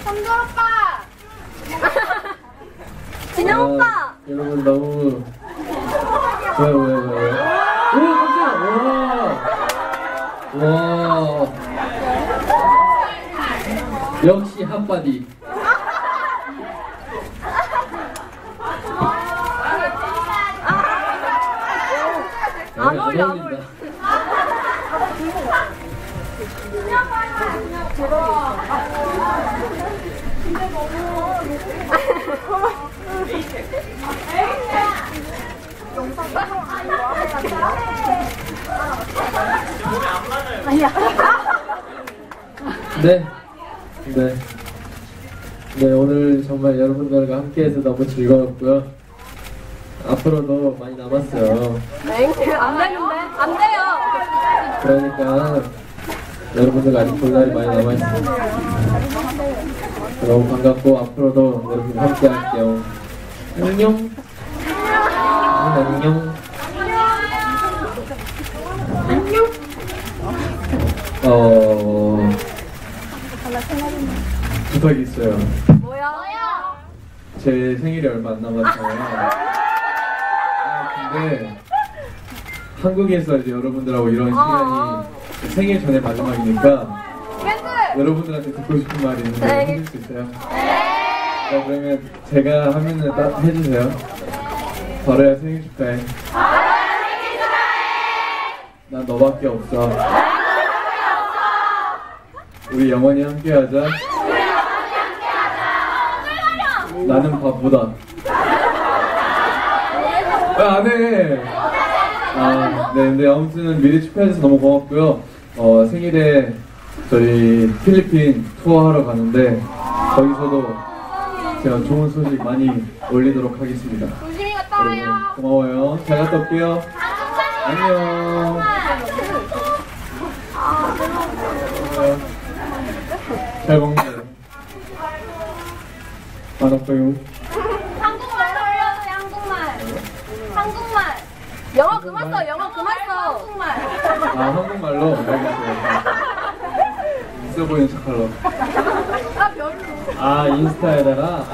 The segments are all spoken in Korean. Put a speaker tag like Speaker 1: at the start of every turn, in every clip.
Speaker 1: 성준 오빠!
Speaker 2: 진영 오빠!
Speaker 3: 여러분 너무 왜? 오 깜짝이야! 와 역시 핫바디.
Speaker 2: 안 어울려 안 어울려.
Speaker 3: 네, 오늘 정말 여러분들과 함께해서 너무 즐거웠고요. 앞으로도 많이 남았어요.
Speaker 2: 네, 안 되는데? 안 돼요!
Speaker 3: 그러니까 여러분들 아직 볼 날이 많이 남아있습니다. 너무 반갑고 앞으로도 여러분과 함께 할게요. 안녕. 안녕. 부탁이 있어요.
Speaker 2: 뭐야?
Speaker 3: 제 생일이 얼마 안 남았어요. 근데 한국에서 이제 여러분들하고 이런 시간이 생일 전에 마지막이니까 여러분들한테 듣고 싶은 말이 있는데 해줄 수 있어요? 네. 그러면 제가 하면은 딱 해주세요. 바로야 생일 축하해. 난 너밖에 없어. 우리 영원히 함께하자. 나는 바보다. 안 해. 네, 근데 아무튼 미리 축하해줘서 너무 고맙고요. 생일에 저희 필리핀 투어하러 가는데 거기서도 제가 좋은 소식 많이 올리도록 하겠습니다.
Speaker 1: 조심히 갔다 와요.
Speaker 3: 고마워요. 잘 갔다 올게요. 안녕. 잘 먹네요. 안 아파요.
Speaker 1: 한국말 올려주세요, 한국말. 한국말.
Speaker 2: 영어 그만 써, 영어 그만 써!
Speaker 1: 한국말.
Speaker 3: 한국말로? 알겠어요. 있어 보이는 척하러.
Speaker 1: 별로.
Speaker 3: 인스타에다가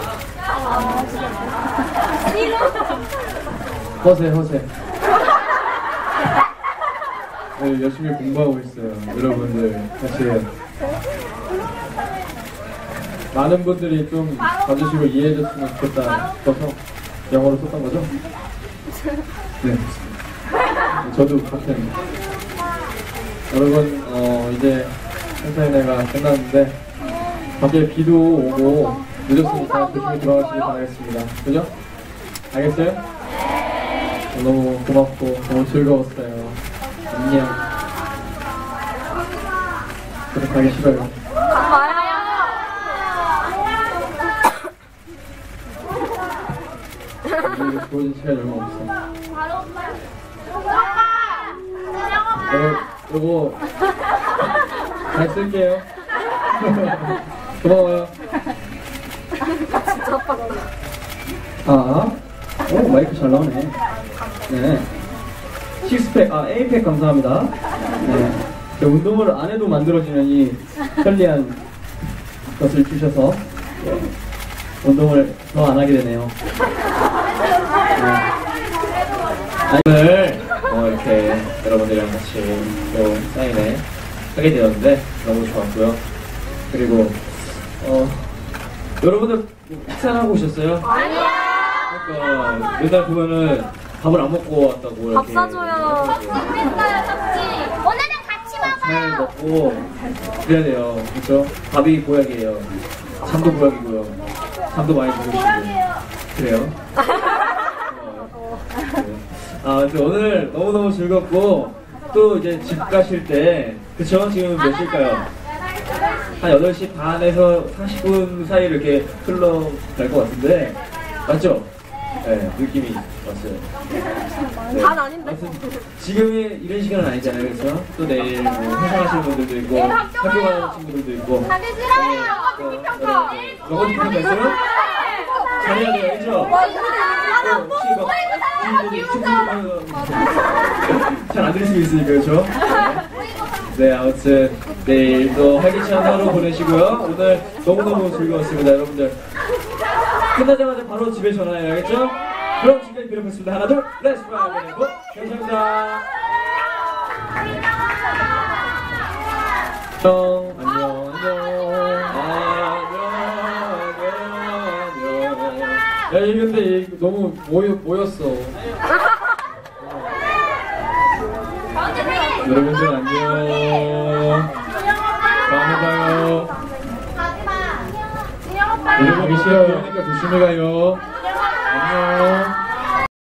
Speaker 3: 허세. 네, 열심히 공부하고 있어요. 여러분들 같이 많은 분들이 좀 봐주시고 이해해줬으면 좋겠다 싶어서 영어로 썼던 거죠? 네. 저도 같은. 여러분 이제 행사인회가 끝났는데 갑자기 비도 오고 늦었으니까 조심히 들어가시길 바라겠습니다. 그죠? 알겠어요? 너무 고맙고 너무 즐거웠어요. 안녕. 그렇게 가기 싫어요.
Speaker 2: 말아요!
Speaker 3: 우리 보여준 시간이 얼마 없어. 요거 잘 쓸게요. 고마워요.
Speaker 2: 진짜 아빠
Speaker 4: 오 마이크 잘 나오네. 네. 식스팩, 에이팩 감사합니다. 네. 운동을 안 해도 만들어지는 이 편리한 것을 주셔서 운동을 더 안 하게 되네요.
Speaker 3: 오늘 이렇게 여러분들이랑 같이 또 사인회 하게 되었는데 너무 좋았고요. 그리고 여러분들 식사를 하고 오셨어요?
Speaker 2: 아니요!
Speaker 3: 그러니까 맨날 보면은 밥을 안 먹고 왔다고
Speaker 2: 밥
Speaker 3: 이렇게
Speaker 2: 사줘요.
Speaker 1: 오늘은 같이
Speaker 3: 잘
Speaker 1: 먹어요.
Speaker 3: 먹고 그래야 돼요. 그렇죠? 밥이 보약이에요. 잠도 보약이고요. 잠도 많이 주무시고 그래요. 네. 오늘 너무너무 즐겁고 또 이제 집 가실 때 그쵸? 지금 몇 시일까요? 한 8시 반에서 40분 사이 이렇게 흘러갈 것 같은데 맞죠? 네, 느낌이 왔어요. 네.
Speaker 2: 반 아닌데?
Speaker 3: 아무튼 지금이 이런 시간은 아니잖아요, 그렇죠? 또 내일 뭐 회사 가시는 분들도 있고 학교 가는 친구들도 있고
Speaker 1: 다들 싫어요. 영어 듣기 평가.
Speaker 3: 영어 듣기 평가 있어요? 잘해야 돼요, 그렇죠? 잘 안 들릴 수 있으니까, 그렇죠? 네, 아무튼 내일 또 활기찬 하루 보내시고요. 오늘 너무너무 즐거웠습니다, 여러분들. 끝나자마자 바로 집에 전화해야겠죠? 그럼 지금까지 비록 했습니다. 하나, 둘, 렛츠 파이브. 감사합니다. 안녕, 안녕. 야, 이 근데 이 너무 모였어. 여러분들 안녕. 다음에 봐요.
Speaker 1: 가지마. 진영 오빠.
Speaker 3: 여러분 미션 오니까 조심히 가요. 안녕.